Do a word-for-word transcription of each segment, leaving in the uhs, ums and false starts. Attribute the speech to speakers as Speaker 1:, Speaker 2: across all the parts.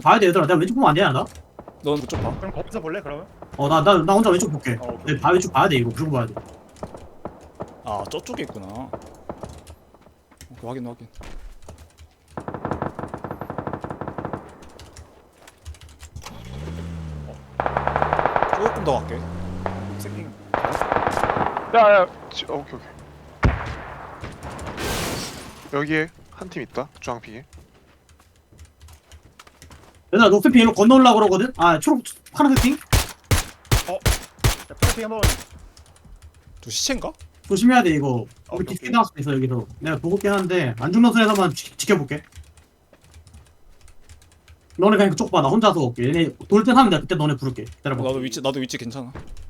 Speaker 1: 봐야 돼 얘들아. 내가 왼쪽 보면 안 되냐 나?
Speaker 2: 넌 그쪽 봐.
Speaker 3: 그럼 거기서 볼래 그러면?
Speaker 1: 어 나 나 나 혼자 왼쪽 볼게.
Speaker 3: 어, 오케이.
Speaker 1: 내 봐 왼쪽 봐야 돼 이거 무조건 봐야 돼.
Speaker 2: 아 저쪽에 있구나. 오케이 확인 확인. 조금 더 갈게.
Speaker 3: 생긴.
Speaker 4: 야야 지- 어, 오케이 오케이 여기에 한 팀 있다 주황핑에.
Speaker 1: 얘들아 녹색 핑 일로 건너오려고 그러거든? 아 초록 파란색 핑?
Speaker 3: 프로팅 한번.
Speaker 2: 저 시체인가?
Speaker 1: 조심해야 돼 이거.
Speaker 3: 오케이,
Speaker 1: 우리 뒤에
Speaker 3: 오케이.
Speaker 1: 나올 수도 있어 여기서. 내가 보고 있긴 한데 안 죽는 선에서만 지, 지켜볼게. 너네 그냥 그쪽 봐. 나 혼자서 올게. 얘네 돌 땐 하면 내가 그때 너네 부를게. 기다려봐.
Speaker 2: 나도 위치 나도 위치 괜찮아.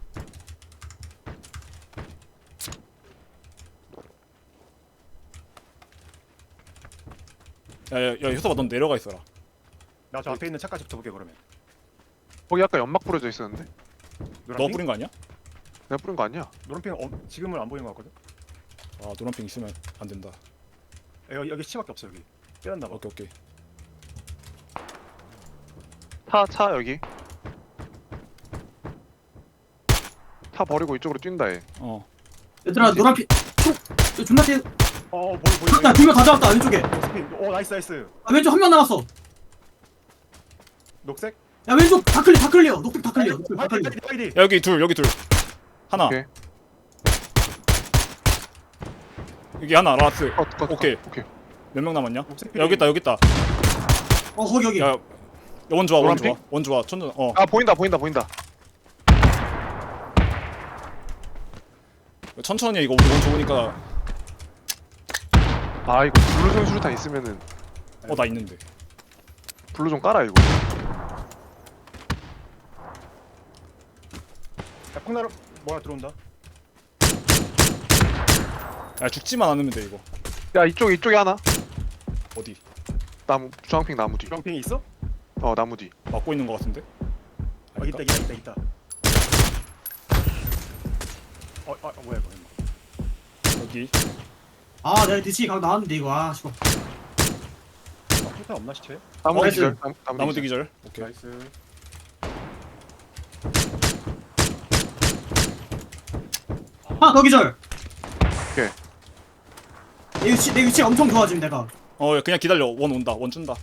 Speaker 2: 야야야 효섭아 넌 내려가 있어라.
Speaker 3: 나 저 앞에 있는 차까지 붙어볼게 그러면.
Speaker 4: 거기 아까 연막 뿌려져 있었는데
Speaker 2: 너
Speaker 3: 노란핑?
Speaker 2: 뿌린 거 아니야?
Speaker 4: 내가 뿌린 거 아니야.
Speaker 3: 노란핑 어, 지금은 안 보이는 것 같거든.
Speaker 2: 아 노란핑 있으면 안 된다.
Speaker 3: 여기 여기 시밖에 없어 여기. 빼놨나 봐.
Speaker 2: 오케이 오케이.
Speaker 4: 차 차 여기 차 버리고 이쪽으로 뛴다 얘.
Speaker 2: 어.
Speaker 1: 얘들아 노란 핑. 초록. 야, 존나 뛰.
Speaker 3: 어, 어 보이 보이.
Speaker 1: 야, 두명 가져왔다 왼쪽에.
Speaker 3: 녹색. 오 나이스 나이스.
Speaker 1: 아, 왼쪽 한 명 남았어.
Speaker 3: 녹색.
Speaker 1: 야 왼쪽 다 클리어 다 클리어. 녹색 다 클리어. 녹색 다 클리어.
Speaker 3: 화이트 화이트.
Speaker 2: 야, 여기 둘 여기 둘. 하나.
Speaker 4: 오케이.
Speaker 2: 여기 하나 라스.
Speaker 4: 컷, 컷, 컷.
Speaker 2: 오케이.
Speaker 4: 오케이
Speaker 2: 몇 명 남았냐?
Speaker 3: 녹색
Speaker 2: 야, 여기 있다 여기 있다.
Speaker 1: 어 거기 여기.
Speaker 2: 야, 원 좋아 원
Speaker 4: 노란
Speaker 2: 좋아
Speaker 4: 핑?
Speaker 2: 원 좋아 천천. 어.
Speaker 4: 아 보인다 보인다 보인다.
Speaker 2: 천천히 해, 이거 우리 원 좋으니까.
Speaker 4: 아 이거 블루존 수류탄 있으면은
Speaker 2: 어 나 있는데.
Speaker 4: 블루 좀 깔아 이거.
Speaker 3: 야 폭나루 뭐야 들어온다.
Speaker 2: 야 죽지만 않으면 돼 이거.
Speaker 4: 야 이쪽 이쪽에 하나.
Speaker 2: 어디?
Speaker 4: 나무 주황핑 나무 뒤.
Speaker 3: 주황핑이 있어?
Speaker 4: 어 나무 뒤.
Speaker 2: 막고 있는 거 같은데?
Speaker 3: 어 있다 있다 있다 있다. 어, 아 뭐야 이거.
Speaker 2: 여기.
Speaker 1: 아 내가 뒤치기 각 나왔는데 이거. 아 씨발.
Speaker 3: 아 폭탄 없나 시체?
Speaker 4: 나무
Speaker 1: 어,
Speaker 4: 뒤 기절. 나무, 나무,
Speaker 2: 나무
Speaker 4: 뒤
Speaker 2: 뒤
Speaker 4: 기절.
Speaker 2: 기절. 오케이.
Speaker 3: 나이스.
Speaker 1: 하나 더 기절.
Speaker 4: 오케이.
Speaker 1: 내 위치 내 위치 엄청 좋아 지금 내가.
Speaker 2: 어 그냥 기다려. 원 온다. 원 준다.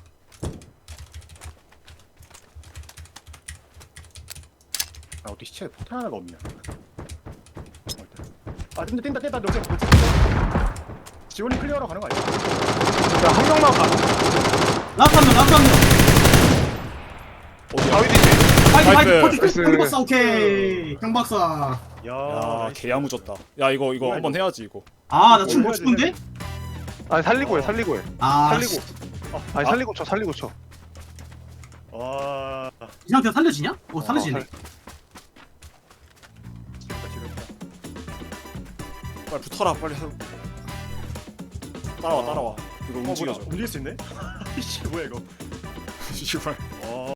Speaker 3: 아 어떻게 시체에 폭탄 하나가 없냐? 어, 있다. 아 뛴다 뛴다 뛴다 녹색 녹색. 지원이 클리어로 가는 거 아니야?
Speaker 4: 야한 명만 가.
Speaker 1: 라스트 한 명, 라스트 한 명.
Speaker 2: 어디야?
Speaker 4: 바위 뒤지.
Speaker 1: 파이팅,
Speaker 2: 나이스.
Speaker 1: 파이팅, 파이팅.
Speaker 4: 나이스.
Speaker 1: 경박사, 오케이. 경박사.
Speaker 3: 야,
Speaker 2: 야 개야무졌다. 야 이거 이거
Speaker 3: 뭐야,
Speaker 2: 한번
Speaker 3: 이거?
Speaker 2: 해야지 이거.
Speaker 1: 아, 나 지금 못
Speaker 3: 해야지,
Speaker 1: 죽은데?
Speaker 3: 해야지.
Speaker 4: 아니 살리고 해 살리고 해.
Speaker 1: 아,
Speaker 4: 살리고.
Speaker 1: 씨.
Speaker 4: 아니
Speaker 2: 아.
Speaker 4: 살리고 쳐 살리고 쳐.
Speaker 3: 와,
Speaker 1: 이 상태에서 살려지냐? 어, 살려지네.
Speaker 4: 살-
Speaker 3: 지렸다 지렸다.
Speaker 2: 빨리 붙어라 빨리. 따라와 따라와. 이거
Speaker 3: 어, 뭐야?
Speaker 2: 움직여줘.
Speaker 3: 움직일 수 있네? 이씨 뭐야 이거?
Speaker 2: 씨발.
Speaker 3: 와.